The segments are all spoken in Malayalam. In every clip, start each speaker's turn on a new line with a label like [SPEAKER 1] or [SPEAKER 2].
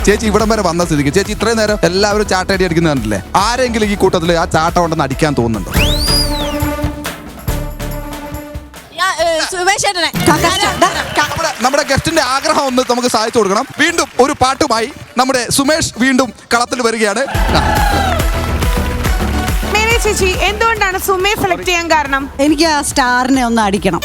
[SPEAKER 1] ചേച്ചി ഇവിടം വരെ വന്ന സ്ഥിതിക്ക് ചേച്ചി ഇത്രയും നേരം എല്ലാവരും ചാട്ടയടി അടിക്കുന്നത് കണ്ടില്ലേ? ആരെങ്കിലും ഈ കൂട്ടത്തിൽ ആ ചാട്ടം ഉണ്ടെന്ന് അടിക്കാൻ തോന്നുന്നുണ്ടോ? നമ്മുടെ ഗസ്റ്റിന്റെ ആഗ്രഹം ഒന്ന് നമുക്ക് സാധിച്ചു കൊടുക്കണം. വീണ്ടും ഒരു പാട്ടുമായി നമ്മുടെ സുമേഷ് വീണ്ടും കളത്തിൽ വരികയാണ്.
[SPEAKER 2] ചേച്ചി എന്തുകൊണ്ടാണ് സുമേ സെലക്ട് ചെയ്യാൻ കാരണം?
[SPEAKER 3] എനിക്ക് ആ സ്റ്റാറിനെ ഒന്ന് അടിക്കണം.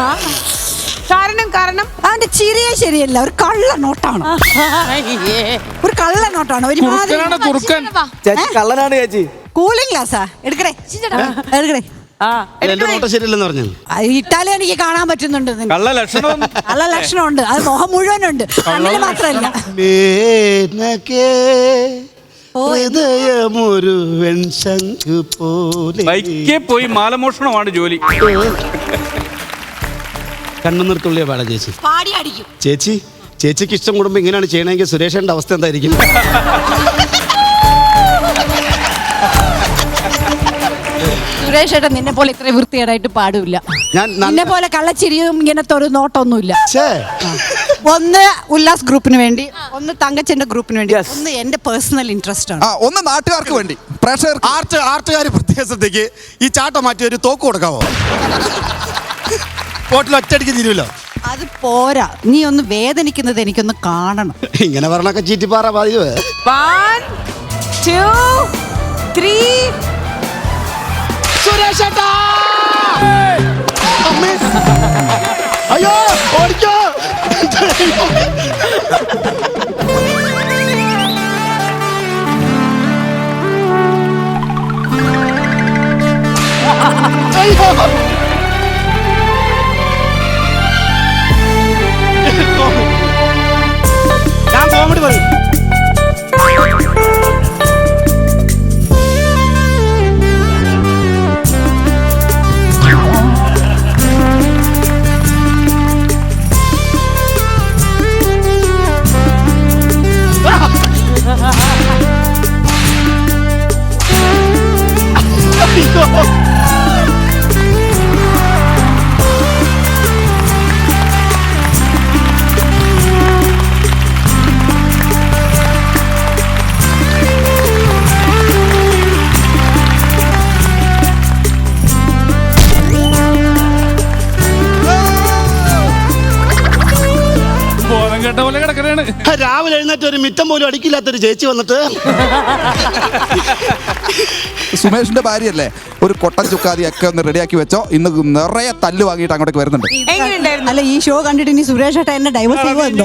[SPEAKER 2] കാരണം
[SPEAKER 3] അവന്റെ ചിരിയെ ശരിയല്ല, ഒരു കള്ള നോട്ടാണ്. ഒരു കള്ള നോട്ടാണ്.
[SPEAKER 4] കള്ളനാണ് ചേച്ചി.
[SPEAKER 3] കൂളിംഗ് ഗ്ലാസാ എടുക്കടേ എടുക്കടേ. ഇട്ടാലേ എനിക്ക് കാണാൻ പറ്റുന്നുണ്ട്.
[SPEAKER 4] കള്ള
[SPEAKER 3] ലക്ഷണമുണ്ട്. അത് മുഖം മുഴുവനുണ്ട്, കണ്ണിന് മാത്രമല്ല.
[SPEAKER 5] ഹൃദയമൊരു വെൺശംഖ് പോലെ
[SPEAKER 4] പോയി മാലമോഷണമാണ് ജോലി.
[SPEAKER 5] കണ്ണുനിർത്തുള്ളിയ പാടാ ചേച്ചി.
[SPEAKER 3] പാടി അടിക്കും
[SPEAKER 5] ചേച്ചി. ചേച്ചിക്ക് ഇഷ്ടം കൂടുമ്പോ ഇങ്ങനെയാണ് ചെയ്യണമെങ്കിൽ സുരേഷന്റെ അവസ്ഥ എന്തായിരിക്കും?
[SPEAKER 3] സുരേഷ് ഏട്ടൻ നിന്നെ പോലെ ഇത്രയും വൃത്തികേടായിട്ട് പാടില്ല. നിന്നെ പോലെ കള്ളച്ചിരിയും ഇങ്ങനത്തെ ഒരു നോട്ടൊന്നുമില്ല. ഒന്ന് ഉല്ലാസ് ഗ്രൂപ്പിന് വേണ്ടി, ഒന്ന് തങ്കച്ചന്റെ ഗ്രൂപ്പിന് വേണ്ടി, ഒന്ന് എന്റെ പേഴ്സണൽ ഇൻട്രസ്റ്റ് ആണ്,
[SPEAKER 1] ഒന്ന് നാട്ടുകാർക്ക് വേണ്ടി.
[SPEAKER 5] ആർട്ടുകാർ പ്രത്യേക ശ്രദ്ധയ്ക്ക് ഈ ചാട്ടം മാറ്റി ഒരു തോക്ക് കൊടുക്കാവോ? ഹോട്ടൽ ഒറ്റയടിക്ക് തീരുമല്ലോ.
[SPEAKER 3] അത് പോരാ, നീ ഒന്ന് വേദനിക്കുന്നത് എനിക്കൊന്ന് കാണണം.
[SPEAKER 5] ഇങ്ങനെ പറഞ്ഞൊക്കെ ചീറ്റിപ്പാറ ബാധിക്കുവേ.
[SPEAKER 2] 1 2 3
[SPEAKER 5] സുരേഷേട്ടാ! അയ്യോ ഓടിക്കോ! ഞാൻ കോമഡി പറയും. രാവിലെ എഴുന്നേറ്റ് ഒരു മിറ്റം പോലും അടിക്കില്ലാത്തൊരു ചേച്ചി വന്നിട്ട്
[SPEAKER 1] സുമേഷിന്റെ ഭാര്യയല്ലേ, ഒരു കൊട്ടൻ ചുക്കാതി ഒക്കെ ഒന്ന് റെഡിയാക്കി വെച്ചോ. ഇന്ന് നിറയെ തല്ല് വാങ്ങിയിട്ട് അങ്ങോട്ടേക്ക് വരുന്നുണ്ട്.
[SPEAKER 3] അല്ല, ഈ ഷോ കണ്ടിട്ട് ഇനി സുരേഷ് ഏട്ടൻ എന്നെ ഡൈവേഴ്സ് ചെയ്യുമോ?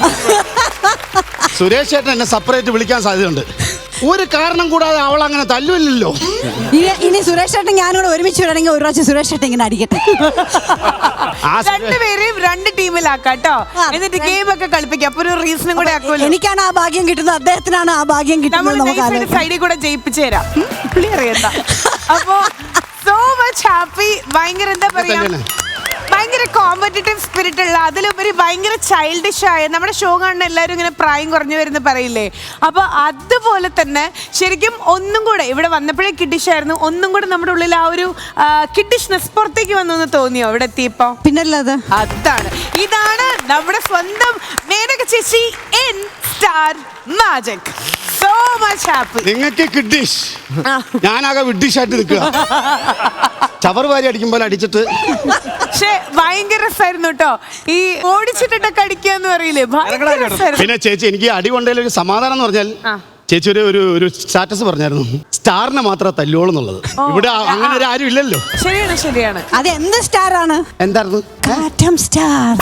[SPEAKER 5] സുരേഷ് ചേട്ടൻ എന്നെ സെപ്പറേറ്റ് വിളിക്കാൻ സാധ്യതയുണ്ട്. ഒരു കാരണം കൂടാതെ അവൾ അങ്ങനെ തല്ലുമില്ലല്ലോ.
[SPEAKER 3] ഇനി സുരേഷ് ചേട്ടൻ ഞാനും കൂടെ ഒരുമിച്ച് വരണമെങ്കിൽ ഒരു പ്രാവശ്യം സുരേഷ് ചേട്ടൻ ഇങ്ങനെ അടിക്കട്ടെ.
[SPEAKER 2] രണ്ടുപേരെയും 2 ടീമിലാക്കാട്ടോ, എന്നിട്ട് ഗെയിം ഒക്കെ കളിപ്പിക്കാം. അപ്പൊ ഒരു റീസണും കൂടെ ആക്കുമല്ലോ.
[SPEAKER 3] എനിക്കാണ് ആ ഭാഗ്യം കിട്ടുന്നത്, അദ്ദേഹത്തിനാണ് ആ ഭാഗ്യം കിട്ടുന്നത്.
[SPEAKER 2] സൈഡിൽ കൂടെ ജയിപ്പിച്ചു തരാം. അറിയണ്ട. അപ്പൊ സോ മച്ച് ഹാപ്പി. ഭയങ്കര എന്താ പറയാ, ഭയങ്കര കോമ്പറ്റീറ്റീവ് സ്പിരിറ്റ് ഉള്ള, അതിലുപരി ഭയങ്കര ചൈൽഡിഷ് ആയ, നമ്മുടെ ഷോ കാണുന്ന എല്ലാവരും ഇങ്ങനെ പ്രായം കുറഞ്ഞു വരുന്ന പറയില്ലേ, അപ്പൊ അതുപോലെ തന്നെ ശരിക്കും ഒന്നും കൂടെ ഇവിടെ വന്നപ്പോഴേ കിഡിഷ് ആയിരുന്നു. ഒന്നും കൂടെ നമ്മുടെ ഉള്ളിൽ ആ ഒരു കിഡിഷ്നെസ് പുറത്തേക്ക് വന്നു എന്ന് തോന്നിയോ ഇവിടെ എത്തിയപ്പോ?
[SPEAKER 3] പിന്നല്ലാതെ
[SPEAKER 2] അതാണ്, ഇതാണ് നമ്മുടെ സ്വന്തം മേനക ചേച്ചി in star magic. So much happy.
[SPEAKER 5] നിങ്ങൾക്ക് കിഡിഷ്, ഞാനാകെ വിഡിഷ് ആയിട്ട് നിൽക്കുക. ചവർ വാരി അടിക്കുമ്പോൾ അടിച്ചിട്ട്.
[SPEAKER 2] പക്ഷെ ഭയങ്കര രസമായിരുന്നു കേട്ടോ, ഈ ഓടിച്ചിട്ടൊക്കെ അടിക്കാന്ന് പറയില്ലേ.
[SPEAKER 5] പിന്നെ ചേച്ചി, എനിക്ക് അടി കൊണ്ടതിൽ ഒരു സമാധാനം എന്ന് പറഞ്ഞാൽ, ചേച്ചി ഒരു സ്റ്റാറ്റസ് പറഞ്ഞായിരുന്നു, സ്റ്റാറിനെ മാത്രമേ തല്ലുള്ളൂ എന്നുള്ളത്. ഇവിടെ അങ്ങനെ ഒരു ആരും ഇല്ലല്ലോ.
[SPEAKER 2] ശരിയാണ് ശരിയാണ്.
[SPEAKER 3] അത് എന്ത് സ്റ്റാർ ആണ്?
[SPEAKER 5] എന്തായിരുന്നു?
[SPEAKER 3] കാറ്റം സ്റ്റാർ.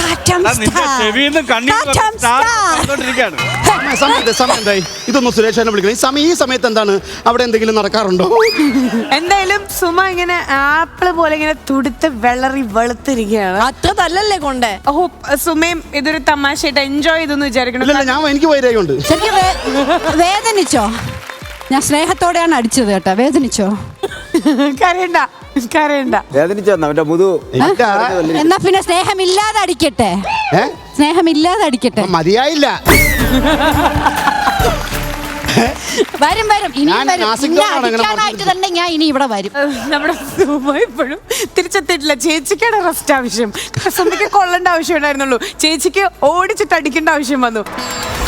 [SPEAKER 5] സമയം എന്തായി? ഇതൊന്നും സുരേഷനെ വിളിക്കണം. ഈ സമയത്ത് എന്താണ് അവിടെ എന്തെങ്കിലും നടക്കാറുണ്ടോ?
[SPEAKER 2] എന്തായാലും സുമ ഇങ്ങനെ ആപ്പിള് പോലെ ഇങ്ങനെ തുടുത്ത് വെള്ളറി വെളുത്തിരിക്കുകയാണ്.
[SPEAKER 3] അത്ര തല്ലല്ലേ കൊണ്ടേ.
[SPEAKER 2] ഓ, സുമയും ഇതൊരു തമാശയായിട്ട് എൻജോയ് ചെയ്തെന്ന് വിചാരിക്കണം.
[SPEAKER 5] എനിക്ക് വൈരാഗമുണ്ട്.
[SPEAKER 3] വേദനിച്ചോ? ഞാൻ സ്നേഹത്തോടെയാണ് അടിച്ചത് കേട്ടോ. വേദനിച്ചോ?
[SPEAKER 2] കരയണ്ട കരയണ്ട.
[SPEAKER 4] വേദനിച്ചോ?
[SPEAKER 3] എന്നാ പിന്നെ സ്നേഹമില്ലാതെ അടിക്കട്ടെ. സ്നേഹമില്ലാതെ അടിക്കട്ടെ.
[SPEAKER 5] മതിയായില്ല.
[SPEAKER 3] വരും വരും. ഇനി അടിക്കാനായിട്ട് തന്നെ ഞാൻ ഇനി ഇവിടെ വരും.
[SPEAKER 2] നമ്മുടെ സുമ ഇപ്പോഴും തിരിച്ചെത്തിയിട്ടില്ല. ചേച്ചിക്കാണ് റെസ്റ്റ് ആവശ്യം. സുമയ്ക്ക് കൊള്ളേണ്ട ആവശ്യം ഉണ്ടായിരുന്നുള്ളൂ, ചേച്ചിക്ക് ഓടിച്ചിട്ട് അടിക്കേണ്ട ആവശ്യം വന്നു.